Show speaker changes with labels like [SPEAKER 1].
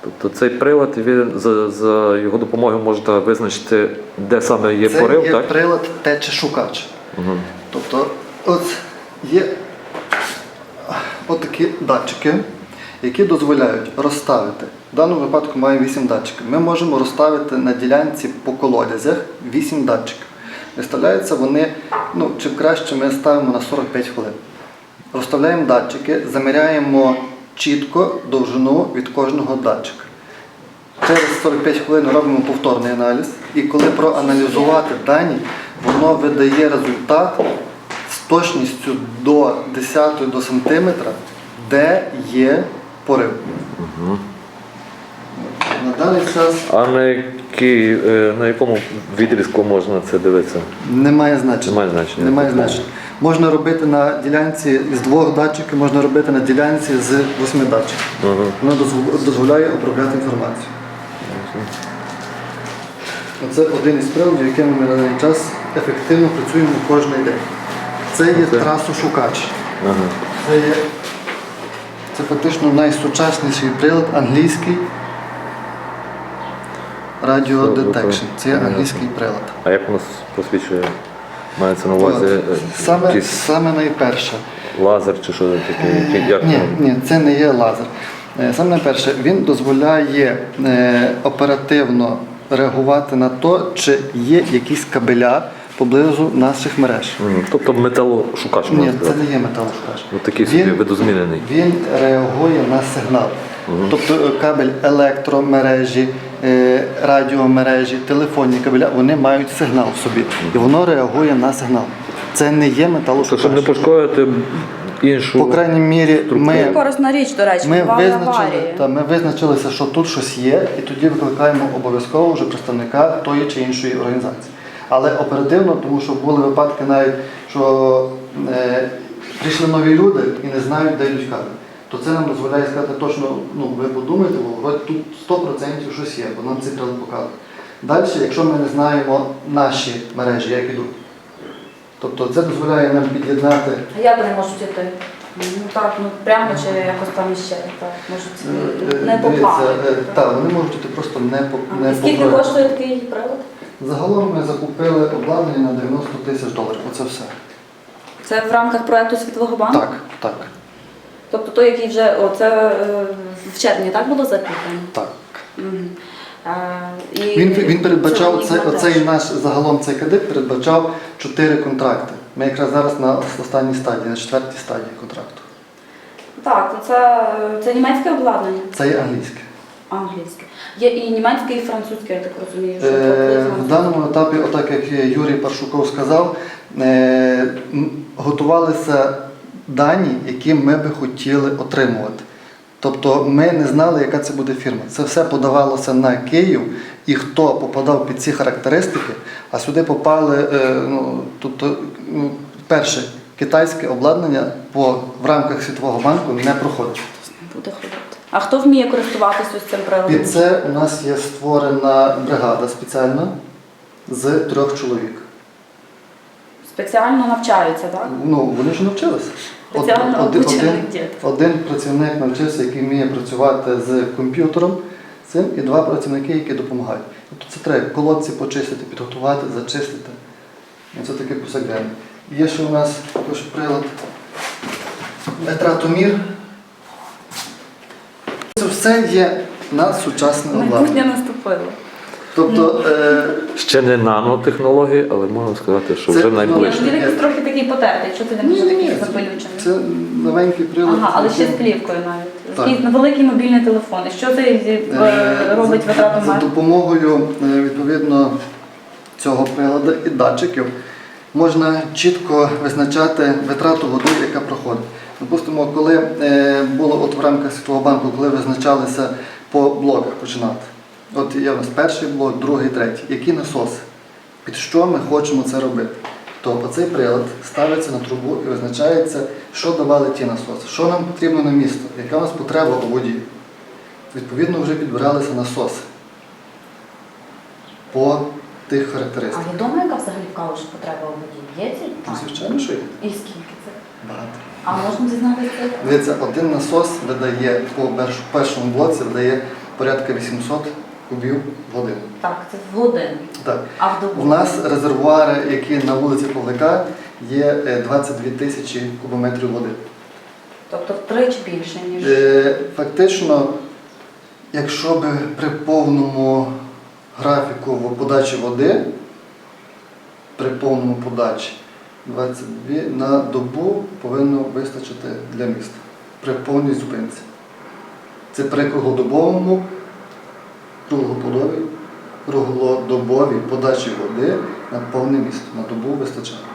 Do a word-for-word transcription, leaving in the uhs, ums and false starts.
[SPEAKER 1] Тобто цей прилад, він, за, за його допомогою можна визначити, де саме є
[SPEAKER 2] Це
[SPEAKER 1] порив,
[SPEAKER 2] є
[SPEAKER 1] так?
[SPEAKER 2] прилад течешукач.
[SPEAKER 1] Угу.
[SPEAKER 2] Тобто от є отакі датчики, які дозволяють розставити. В даному випадку має вісім датчиків. Ми можемо розставити на ділянці по колодязях вісім датчиків. Виставляються вони, ну, чим краще ми ставимо на сорок п'ять хвилин. Розставляємо датчики, заміряємо чітко довжину від кожного датчика. Через сорок п'ять хвилин робимо повторний аналіз, і коли проаналізувати дані, воно видає результат з точністю до десятої до сантиметра, де є порив.
[SPEAKER 1] Угу.
[SPEAKER 2] На даний час
[SPEAKER 1] А на, який, е, на якому відрізку можна це дивитися?
[SPEAKER 2] немає значення.
[SPEAKER 1] Немає значення.
[SPEAKER 2] Немає значення. Можна робити на ділянці з двох датчиків, можна робити на ділянці з восьми датчиків.
[SPEAKER 1] Угу.
[SPEAKER 2] Воно дозв- дозволяє обробляти інформацію. Це один із приладів, якими ми на даний час ефективно працюємо кожен день. Це є
[SPEAKER 1] Це?
[SPEAKER 2] трасошукач.
[SPEAKER 1] Ага.
[SPEAKER 2] Це є це фактично найсучасніший прилад англійський Radio Detection. Це є англійський прилад.
[SPEAKER 1] А як воно посвідчує? Мається на увазі е,
[SPEAKER 2] Саме,
[SPEAKER 1] якийсь
[SPEAKER 2] саме найперше.
[SPEAKER 1] лазер чи що таке? Які- Як
[SPEAKER 2] Ні,
[SPEAKER 1] воно?
[SPEAKER 2] ні, це не є лазер. Е, Саме найперше, він дозволяє е, оперативно реагувати на те, чи є якісь кабеля поблизу наших мереж.
[SPEAKER 1] Мгм. Тобто металошукач,
[SPEAKER 2] Ні,
[SPEAKER 1] можна
[SPEAKER 2] це
[SPEAKER 1] сказати.
[SPEAKER 2] не є металошукач.
[SPEAKER 1] Ну, такий собі
[SPEAKER 2] Він,
[SPEAKER 1] видозмінений.
[SPEAKER 2] він реагує на сигнал. Тобто е, кабель електромережі, е, радіомережі, телефонні кабеля, вони мають сигнал в собі. І воно реагує на сигнал. Це не є
[SPEAKER 1] Тобто,
[SPEAKER 2] металошукач.
[SPEAKER 1] щоб не пошкодити іншу...
[SPEAKER 2] По крайній мірі, ми,
[SPEAKER 3] Корисна річ, до речі,
[SPEAKER 2] ми,
[SPEAKER 3] бували
[SPEAKER 2] визначили,
[SPEAKER 3] аварії.
[SPEAKER 2] та, ми визначилися, що тут щось є, і тоді викликаємо обов'язково вже представника тої чи іншої організації. Але оперативно, тому що були випадки навіть, що е, прийшли нові люди і не знають, де йдуть кабелі. То це нам дозволяє сказати точно, ну ви подумайте, бо тут сто відсотків щось є, бо нам цей прилад показує. Далі, якщо ми не знаємо наші мережі, як ідуть, тобто це дозволяє нам під'єднати.
[SPEAKER 3] А як вони можуть іти? Ну так, ну прямо чи якось там іще, так, можуть
[SPEAKER 2] е,
[SPEAKER 3] не по
[SPEAKER 2] дивіться,
[SPEAKER 3] плану.
[SPEAKER 2] е, Так, вони можуть іти просто не по
[SPEAKER 3] А,
[SPEAKER 2] не
[SPEAKER 3] і
[SPEAKER 2] по
[SPEAKER 3] скільки
[SPEAKER 2] проекту.
[SPEAKER 3] коштує такий прилад?
[SPEAKER 2] Загалом ми закупили обладнання на дев'яносто тисяч доларів. Оце все.
[SPEAKER 3] Це в рамках проекту Світового банку?
[SPEAKER 2] Так, так,
[SPEAKER 3] Тобто той, який вже, о, це е, в червні, так було закуплено?
[SPEAKER 2] так.
[SPEAKER 3] Мгм. А, і
[SPEAKER 2] Він, він передбачав,
[SPEAKER 3] це
[SPEAKER 2] цей,
[SPEAKER 3] монтаж.
[SPEAKER 2] оцей наш, загалом цей кредит передбачав чотири контракти. Ми якраз зараз на останній стадії, на четвертій стадії контракту.
[SPEAKER 3] Так, то це, це німецьке обладнання?
[SPEAKER 2] Це є англійське.
[SPEAKER 3] Англійське. Є і німецьке, і французьке, я так розумію. Що
[SPEAKER 2] Е,
[SPEAKER 3] тобто
[SPEAKER 2] в даному етапі, отак як Юрій Паршуков сказав, е, м, готувалися дані, які ми би хотіли отримувати. Тобто ми не знали, яка це буде фірма. Це все подавалося на Київ, і хто попадав під ці характеристики, а сюди попали, е, ну, тобто, ну, перше, китайське обладнання по, в рамках Світового банку не проходить.
[SPEAKER 3] не буде ходити. А хто вміє користуватися ось цим приладом?
[SPEAKER 2] Під це у нас є створена бригада спеціальна з трьох чоловік.
[SPEAKER 3] Спеціально навчаються, так?
[SPEAKER 2] Ну, вони ж навчилися.
[SPEAKER 3] Спеціально
[SPEAKER 2] Од- один,
[SPEAKER 3] обучених
[SPEAKER 2] один,
[SPEAKER 3] дітей.
[SPEAKER 2] один працівник навчився, який вміє працювати з комп'ютером, цим, і два працівники, які допомагають. Тобто це треба колодці почистити, підготувати, зачистити. І це таке повсякденне. Є ще у нас також прилад метратомір. Це все є на сучасне
[SPEAKER 3] Майбутнє
[SPEAKER 2] обладнання.
[SPEAKER 3] наступило.
[SPEAKER 2] Тобто, е,
[SPEAKER 1] Ще не нанотехнології, але можна сказати, що
[SPEAKER 2] Це
[SPEAKER 1] вже
[SPEAKER 2] ну,
[SPEAKER 1] найближче.
[SPEAKER 3] Він якийсь трохи такий потертий, що ти не
[SPEAKER 2] Ні,
[SPEAKER 3] може
[SPEAKER 2] ні,
[SPEAKER 3] такий
[SPEAKER 2] ні,
[SPEAKER 3] запилючений.
[SPEAKER 2] це новенький прилад.
[SPEAKER 3] Ага, але ще з
[SPEAKER 2] який-
[SPEAKER 3] плівкою навіть.
[SPEAKER 2] Так.
[SPEAKER 3] І на великі мобільні телефони. Що це
[SPEAKER 2] Е,
[SPEAKER 3] е, робить
[SPEAKER 2] за-
[SPEAKER 3] витрату
[SPEAKER 2] За
[SPEAKER 3] мер?
[SPEAKER 2] допомогою е, відповідно цього приладу і датчиків можна чітко визначати витрату води, яка проходить. Допустимо, коли е, було от в рамках Світового банку, коли визначалися по блоках починати. От є у нас перший блок, другий, третій. Які насоси? Під що ми хочемо це робити? То оцей прилад ставиться на трубу і визначається, що давали ті насоси, що нам потрібно на місто, яка у нас потреба у воді. Відповідно, вже підбиралися насоси по тих
[SPEAKER 3] А
[SPEAKER 2] характеристиках.
[SPEAKER 3] відомо, яка взагалі в Калуші потреба у воді? Є ці?
[SPEAKER 2] Ну, Звичайно, що є.
[SPEAKER 3] І скільки це?
[SPEAKER 2] Багато.
[SPEAKER 3] А можна дізнатися?
[SPEAKER 2] Дивіться, один насос видає по перш- першому блоці видає порядка вісімсот кубів в годину.
[SPEAKER 3] Так, це в годину.
[SPEAKER 2] Так.
[SPEAKER 3] А в добу?
[SPEAKER 2] У нас резервуари, які на вулиці Павлика, є е, двадцять дві тисячі кубометрів води.
[SPEAKER 3] Тобто втричі більше, ніж...
[SPEAKER 2] Е, Фактично, якщо би при повному графіку подачі води, при повному подачі, двадцять дві на добу повинно вистачити для міста при повній зупинці. Це при круглодобовому, круглодобовій, круглодобовій подачі води на повне місто. На добу вистачає.